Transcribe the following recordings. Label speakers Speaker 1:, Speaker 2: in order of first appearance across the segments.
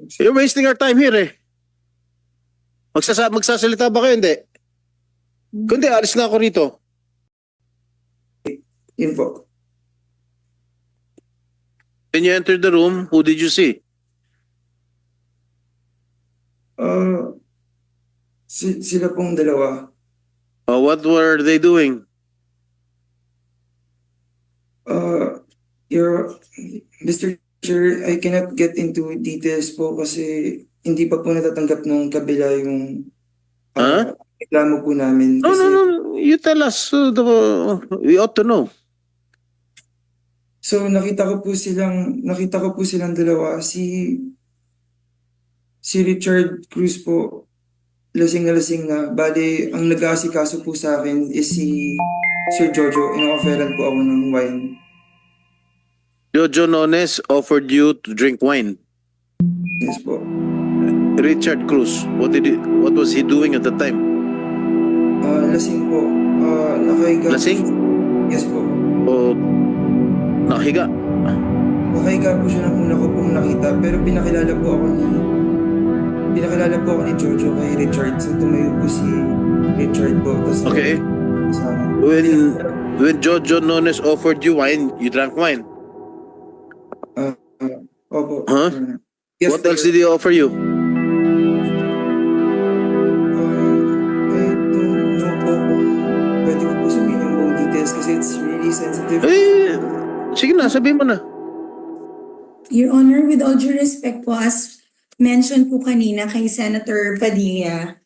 Speaker 1: You're wasting our time here eh. Magsasalita ba kayo? Hindi. Kundi alis na ako rito.
Speaker 2: Yun po.
Speaker 1: When you entered the room, who did you see?
Speaker 2: Sila pong dalawa.
Speaker 1: What were they doing?
Speaker 2: Mr. Chair, I cannot get into details po kasi hindi pa po natatanggap ng kabila yung reklamo po namin.
Speaker 1: No,
Speaker 2: Kasi,
Speaker 1: no, no. You tell us. We ought to know.
Speaker 2: So nakita ko po silang dalawa. Si Richard Cruz po, lasing na. Bali, ang nag-aasikaso po sa akin is si Sir Jojo. Ino-offeran po ako ng wine.
Speaker 1: Jojo Nones offered you to drink wine.
Speaker 2: Yes po.
Speaker 1: Richard Cruz, what was he doing at the time?
Speaker 2: Lasing po. Nakahiga.
Speaker 1: Lasing?
Speaker 2: Yes po.
Speaker 1: O nakahiga?
Speaker 2: Nakahiga po siya nang una ko pong nakita. Pero pinakilala po ako ni Jojo kay Richard. So tumayo po si Richard po. Tapos,
Speaker 1: Okay. When Jojo Nones offered you wine, you drank wine?
Speaker 2: Opo.
Speaker 1: Huh?
Speaker 2: Yes,
Speaker 1: What else did he offer you?
Speaker 2: I don't know po kung pwede ko po sabihin yung buong details kasi it's really sensitive.
Speaker 1: Sige na, sabihin mo na.
Speaker 3: Your Honor, with all due respect po, as mentioned po kanina kay Senator Padilla,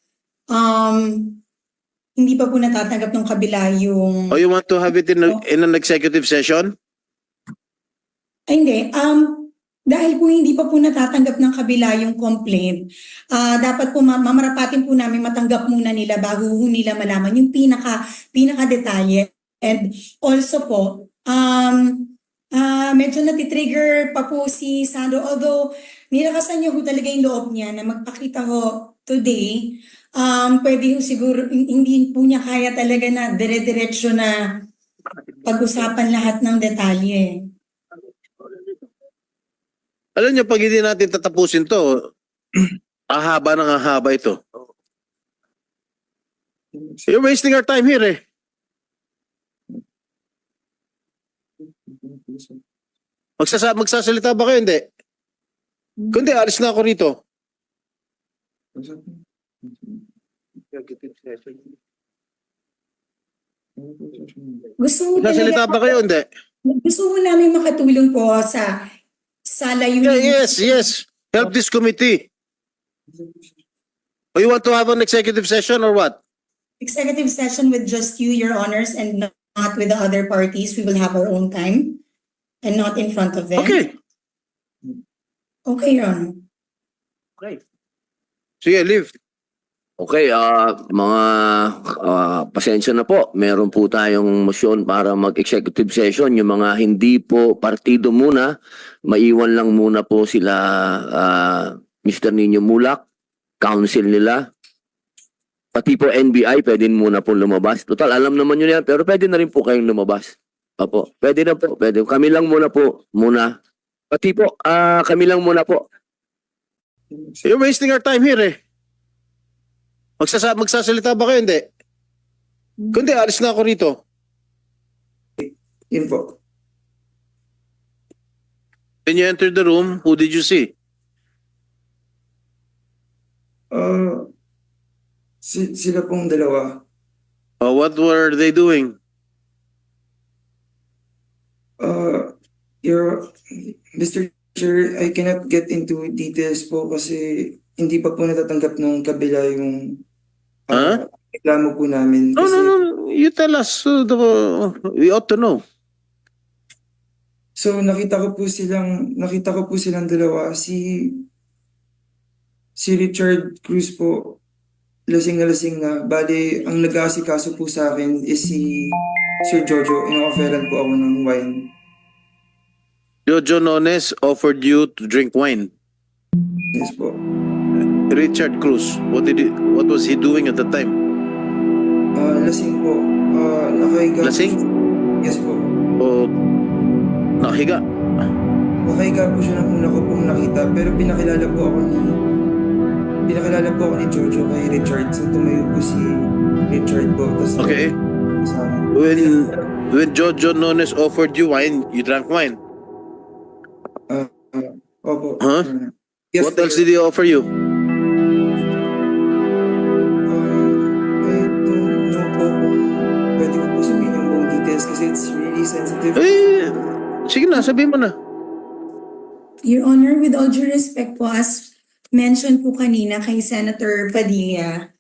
Speaker 3: hindi pa po natatanggap ng kabila yung...
Speaker 1: Oh, you want to have it in an executive session?
Speaker 3: Ay, hindi. Dahil po hindi pa po natatanggap ng kabila yung complaint, dapat po mamarapatin po namin matanggap muna nila bago nila malaman yung pinaka-detalye. And also po, medyo natitrigger pa po si Sandro. Although nilakasan niya ho talaga yung loob niya na magpakita ho today, pwede ho siguro, hindi po niya kaya talaga na dire-diretso na pag-usapan lahat ng detalye.
Speaker 1: Alam niyo, pag hindi natin tatapusin to, ahaba ng ahaba ito. You're wasting our time here eh. Magsasalita ba kayo? Hindi. Kundi alis na ako rito. Magsasalita ba kayo? Hindi.
Speaker 3: Gusto mo namin makatulong po sa layunin.
Speaker 1: Yes. Help this committee. Or you want to have an executive session or what?
Speaker 3: Executive session with just you, Your Honors, and not with the other parties. We will have our own time and not in front of them.
Speaker 1: Okay.
Speaker 3: Okay, Your Honor.
Speaker 1: Okay. Sige, leave.
Speaker 4: Okay, mga pasensya na po. Meron po tayong motion para mag-executive session. Yung mga hindi po partido muna, maiwan lang muna po sila Mr. Nino Mulak, council nila. Pati po NBI, pwede muna po lumabas. Total, alam naman nyo yan, pero pwede na rin po kayong lumabas. Opo, pwede na po, pwede. Kami lang muna po, muna. Pati po, kami lang muna po.
Speaker 1: You're wasting our time here eh. Magsasalita ba kayo? Hindi. Kundi alis na ako rito.
Speaker 2: Yun po.
Speaker 1: When you entered the room, who did you see?
Speaker 2: Sila pong dalawa.
Speaker 1: What were they doing?
Speaker 2: Mr. Chair, I cannot get into details po kasi hindi pa po natatanggap ng kabila yung reklamo po namin.
Speaker 1: No,
Speaker 2: Kasi,
Speaker 1: no. You tell us. We ought to know.
Speaker 2: So nakita ko po silang dalawa. Si Richard Cruz po, lasing na. Bali, ang nag-aasikaso po sa akin is si Sir Jojo. Ino-offeran po ako ng wine.
Speaker 1: Jojo Nones offered you to drink wine.
Speaker 2: Yes po.
Speaker 1: Richard Cruz, what was he doing at the time?
Speaker 2: Lasing po. Nakahiga.
Speaker 1: Lasing?
Speaker 2: Yes po.
Speaker 1: O nakahiga?
Speaker 2: nakahiga po siya ng una ko pong nakita, pero pinakilala po ako ni Jojo kay Richard. So tumayo po si Richard po. Tapos
Speaker 1: Okay.
Speaker 2: sa akin.
Speaker 1: When Jojo Nones offered you wine, you drank wine.
Speaker 2: Opo.
Speaker 1: Huh?
Speaker 2: Yes,
Speaker 1: What else did he offer you?
Speaker 2: I don't know po kung pwede ko po sabihin yung buong details kasi it's really sensitive.
Speaker 1: Eh, sige na, sabihin mo na.
Speaker 3: Your Honor, with all due respect po, as mentioned po kanina kay Senator Padilla,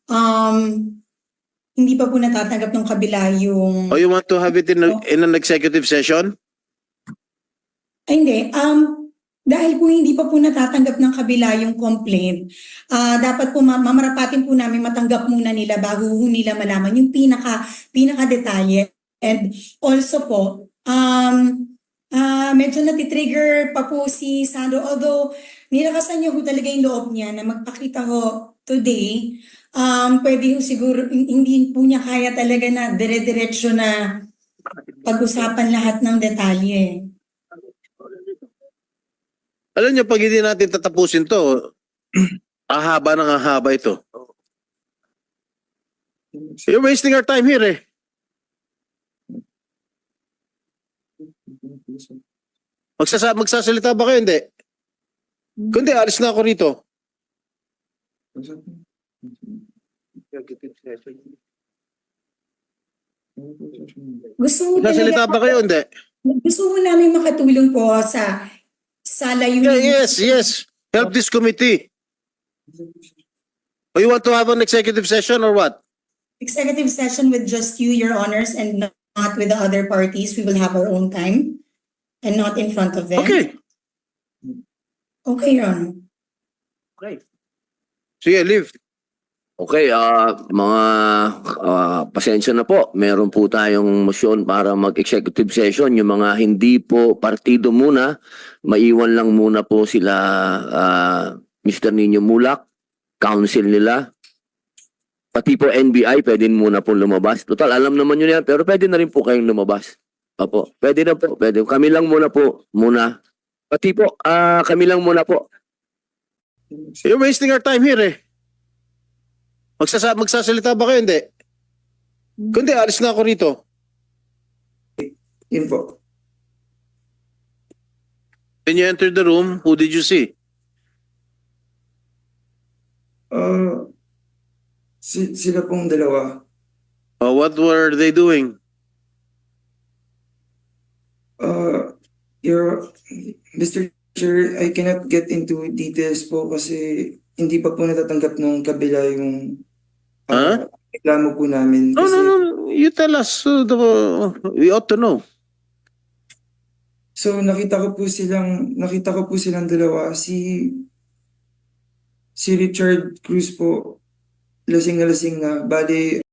Speaker 3: hindi pa po natatanggap ng kabila yung...
Speaker 1: Or you want to have it in an executive session?
Speaker 3: Ay, hindi. Dahil po hindi pa po natatanggap ng kabila yung complaint, dapat po mamarapatin po namin matanggap muna nila bago po nila malaman yung pinaka detalye. And also po, medyo natitrigger pa po si Sandro, although nilakasan niya po talaga yung loob niya na magpakita ho today. Pwede ho siguro, hindi po niya kaya talaga na dire-diretso na pag-usapan lahat ng detalye.
Speaker 1: Alam niyo, pag hindi natin tatapusin to, ahaba ng ahaba ito. You're wasting our time here eh. Magsasalita ba kayo? Hindi. Kundi, alis na ako rito. Magsasalita ba kayo? Hindi.
Speaker 3: Gusto mo namin makatulong po sa layunin.
Speaker 1: Yes. Help this committee. Or you want to have an executive session or what?
Speaker 3: Executive session with just you, Your Honors, and not with the other parties. We will have our own time and not in front of them.
Speaker 1: Okay.
Speaker 3: Okay, Your Honor.
Speaker 1: Sige, leave.
Speaker 4: Okay, mga pasensya na po. Meron po tayong motion para mag-executive session. Yung mga hindi po partido muna, maiwan lang muna po sila Mr. Nino Mulak, council nila. Pati po NBI, pwede muna po lumabas. Total, alam naman nyo yan, pero pwede na rin po kayong lumabas. Opo, pwede na po, pwede. Kami lang muna po, muna. Pati po, kami lang muna po.
Speaker 1: You're wasting our time here eh. Magsasalita ba kayo? Hindi. Kundi, alis na ako rito.
Speaker 2: Yun po.
Speaker 1: When you entered the room, who did you see?
Speaker 2: Sila pong dalawa.
Speaker 1: What were they doing?
Speaker 2: Mr. Chair, I cannot get into details po kasi hindi pa po natatanggap ng kabila yung reklamo po namin.
Speaker 1: No. You tell us. We ought to know.
Speaker 2: So nakita ko po silang dalawa. Si Richard Cruz po, lasing na lasing na. Bali,